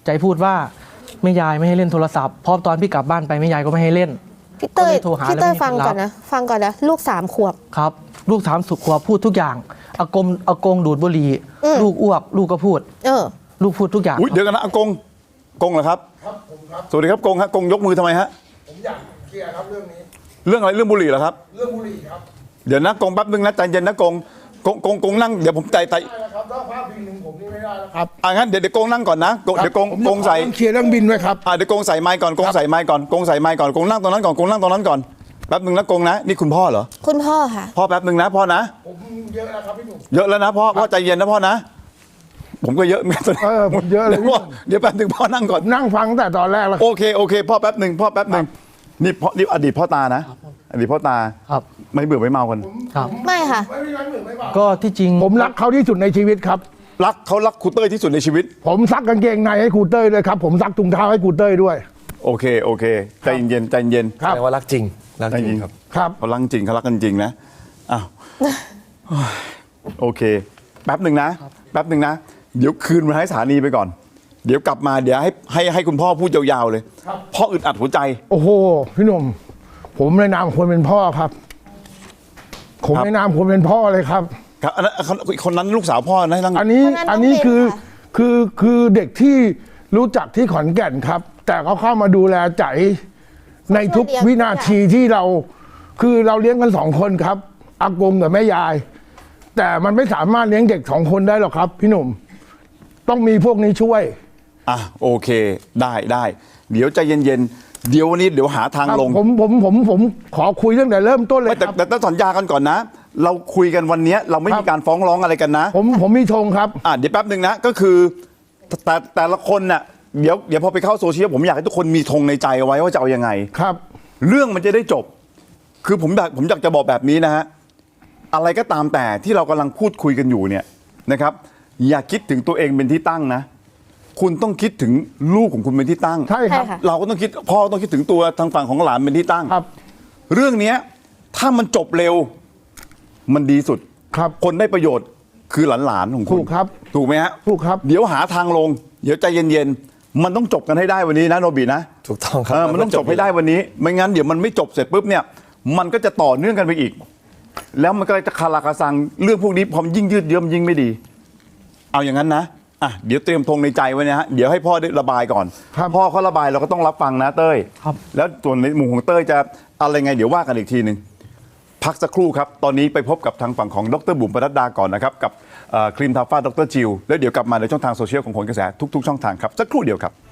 ใจพูดว่าแม่ยายไม่ให้เล่นโทรศัพท์เพราะตอนพี่กลับบ้านไปแม่ยายก็ไม่ให้เล่นพี่เต้ยฟังก่อนนะลูก3 ขวบครับลูก3 ขวบพูดทุกอย่างอากงดูดบุหรี่ลูกอ้วกลูกก็พูดลูกพูดทุกอย่างเดี๋ยวกันนะอากงเหรอครับครับผมครับสวัสดีครับกงฮะกงยกมือทำไมฮะผมอยากเคลียร์ครับเรื่องนี้เรื่องอะไรเรื่องบุหรี่เหรอครับเรื่องบุหรี่ครับเดี๋ยวนะกงแป๊บนึงนะใจเย็นนะกงนั่งเดี๋ยวผมใจได้แล้วครับถ้าภาพบินหนึ่งผมนี่ไม่ได้แล้วครับงั้นเดี๋ยวกงนั่งก่อนนะเดี๋ยวกงใส่เคลียร์เรื่องบินไว้ครับเดี๋ยวกงใส่ไมค์ก่อนกงใส่ไมค์ก่อนกงใส่ไมค์ก่อนกงนั่งตรงนั้นก่อนกงนั่งตรงนั้นก่อนแป๊บนึงนะกงนะนี่คุณพ่อเหรอคุณพ่อค่ะพ่อแป๊บนึงนะพ่อนะผมเยอะแล้วครับพี่หนุ่มเยอะแล้วนะพ่อใจเย็นนะพ่อนะผมก็เยอะเหมือนกันผมเยอะเลยเดี๋ยวแป๊บนึงพ่อนั่งก่อนนั่งฟังแต่ตอนแรกแล้วโอเคพ่อแป๊บนึงนี่อดีตพ่อตานะอดีตพ่อตาครับไม่เบื่อไม่เมากันครับไม่ค่ะก็ที่จริงผมรักเขาที่สุดในชีวิตครับรักครูเต้ยที่สุดในชีวิตผมซักกางเกงในให้ครูเต้ยด้วยครับผมซักถุงเท้าให้ครูเต้ยด้วยโอเคใจเย็นแสดงว่ารักจริงครับเขารักจริงเขารักกันจริงนะอ้าวโอเคแป๊บหนึ่งนะเดี๋ยวคืนมาให้สถานีไปก่อนเดี๋ยวกลับมาเดี๋ยวให้คุณพ่อพูดยาวๆเลยพ่ออึดอัดหัวใจโอ้โหพี่หนุ่มผมในนามคนเป็นพ่อครับผมในนามคนเป็นพ่อเลยครับครับคนนั้นลูกสาวพ่อนะอันนี้คือเด็กที่รู้จักที่ขอนแก่นครับแต่เขาเข้ามาดูแลใจในทุกวินาทีที่เราเลี้ยงกัน2 คนครับอากงกับแม่ยายแต่มันไม่สามารถเลี้ยงเด็ก2 คนได้หรอกครับพี่หนุ่มต้องมีพวกนี้ช่วยโอเคได้เดี๋ยวใจเย็นเดี๋ยววันนี้เดี๋ยวหาทางลงผมขอคุยตั้งแต่เริ่มต้นเลยแต่ต้องสัญญากันก่อนนะเราคุยกันวันนี้เราไม่มีการฟ้องร้องอะไรกันนะผมมีธงครับเดี๋ยวแป๊บหนึ่งนะก็คือแต่ละคนน่ะเดี๋ยวพอไปเข้าโซเชียลผมอยากให้ทุกคนมีธงในใจเอาไว้ว่าจะเอายังไงครับเรื่องมันจะได้จบคือผมอยากจะบอกแบบนี้นะฮะอะไรก็ตามแต่ที่เรากำลังพูดคุยกันอยู่เนี่ยนะครับอย่าคิดถึงตัวเองเป็นที่ตั้งนะคุณต้องคิดถึงลูกของคุณเป็นที่ตั้งใช่ครับเราก็ต้องคิดพ่อต้องคิดถึงตัวทางฝั่งของหลานเป็นที่ตั้งครับเรื่องนี้ถ้ามันจบเร็วมันดีสุดครับคนได้ประโยชน์คือหลานของคุณถูกไหมฮะถูกครับเดี๋ยวหาทางลงเดี๋ยวใจเย็นๆมันต้องจบกันให้ได้วันนี้นะโนบินะถูกต้องครับมันต้องจบให้ได้วันนี้ไม่งั้นเดี๋ยวมันไม่จบเสร็จปุ๊บเนี่ยมันก็จะต่อเนื่องกันไปอีกแล้วมันก็จะคาราคาซังเรื่องพวกนี้พอยิ่งยืดเยื้อยิ่งไม่ดีเอาอย่างนั้นนะเดี๋ยวเตรียมธงในใจไว้นะฮะเดี๋ยวให้พ่อได้ระบายก่อนพ่อเขาระบายเราก็ต้องรับฟังนะเต้ยแล้วส่วนในมุมของเต้ยจะอะไรไงเดี๋ยวว่ากันอีกทีนึงพักสักครู่ครับตอนนี้ไปพบกับทางฝั่งของดร.บุ๋มปนัดดาก่อนนะครับกับครีมทาฟ้าดร.จิลแล้วเดี๋ยวกลับมาในช่องทางโซเชียลของผลกระแสทุกๆช่องทางครับสักครู่เดียวครับ